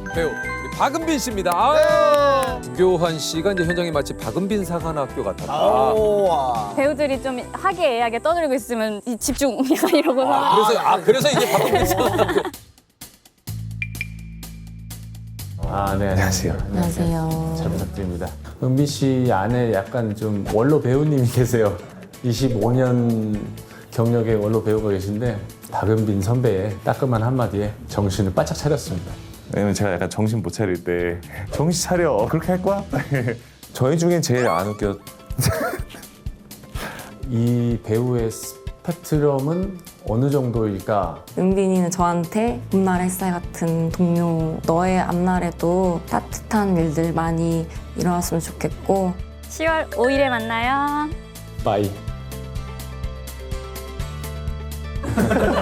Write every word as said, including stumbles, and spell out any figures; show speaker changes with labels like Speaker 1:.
Speaker 1: 배우 우리 박은빈 씨입니다. 아, 김교환 씨가 이제 현장에 마치 박은빈 사관학교 같았다.
Speaker 2: 우와.
Speaker 3: 배우들이 좀 화기애애하게 떠들고 있으면 이 집중 약간 이러고서
Speaker 1: 아, 그래서 아 그래서 이게 박은빈 사관학교.
Speaker 4: 아, 네, 안녕하세요.
Speaker 3: 안녕하세요.
Speaker 4: 잘 부탁드립니다. 은빈 씨 안에 약간 좀 원로 배우님이 계세요. 이십오 년 경력의 원로 배우가 계신데 박은빈 선배의 따끔한 한마디에 정신을 바짝 차렸습니다.
Speaker 5: 왜냐면 제가 약간 정신 못 차릴 때 정신 차려 그렇게 할 거야? 저희 중엔 제일 안 웃겨.
Speaker 4: 이 배우의 스펙트럼은 어느 정도일까?
Speaker 6: 은빈이는 저한테 봄날 햇살 같은 동료, 너의 앞날에도 따뜻한 일들 많이 일어났으면 좋겠고
Speaker 3: 시월 오일에 만나요.
Speaker 4: 빠이.